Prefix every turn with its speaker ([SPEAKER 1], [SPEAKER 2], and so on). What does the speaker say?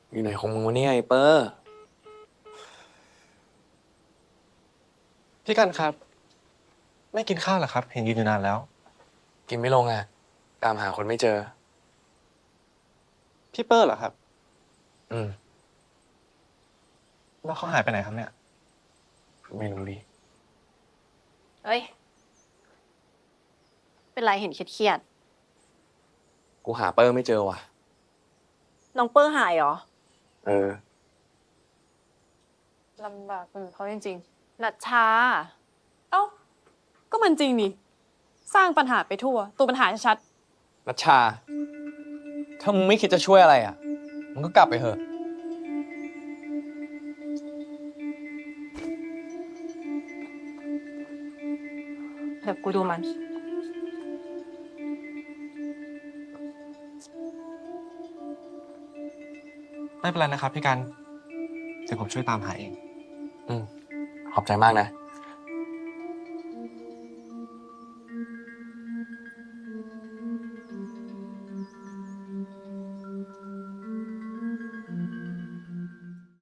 [SPEAKER 1] อยู่ไหนของมึงวะเนี่ยไอ้เปอร์
[SPEAKER 2] พี่กันครับไม่กินข้าวเหรอครับเห็นยืนอยู่นานแล้ว
[SPEAKER 1] กินไม่ลงอ่ะตามหาคนไม่เจอ
[SPEAKER 2] พี่เปอร์เหรอครับ
[SPEAKER 1] อืม
[SPEAKER 2] แล้วเขาหายไปไหนครับเนี่ย
[SPEAKER 1] ไม่รู้ดิ
[SPEAKER 3] เอ้ย เป็นไรเห็นเครียด
[SPEAKER 1] กูหาเปอร์ไม่เจอว่ะ
[SPEAKER 3] ๆน้องเปอร์หายเหรอ
[SPEAKER 1] เออ
[SPEAKER 3] ลำบากเขาจริงๆนัชชา เอ้า ก็มันจริงนี่ สร้างปัญหาไปทั่ว ตัวปัญหาชัด
[SPEAKER 1] นัชชา ถ้ามึงไม่คิดจะช่วยอะไรอ่ะมึงก็กลับไปเถอะ
[SPEAKER 3] เดี๋ยวกูดูมัน
[SPEAKER 2] ไม่เป็นไรนะครับพี่กันเดี๋ยวผมช่วยตามหาเอง
[SPEAKER 1] อืมขอบใจมากนะ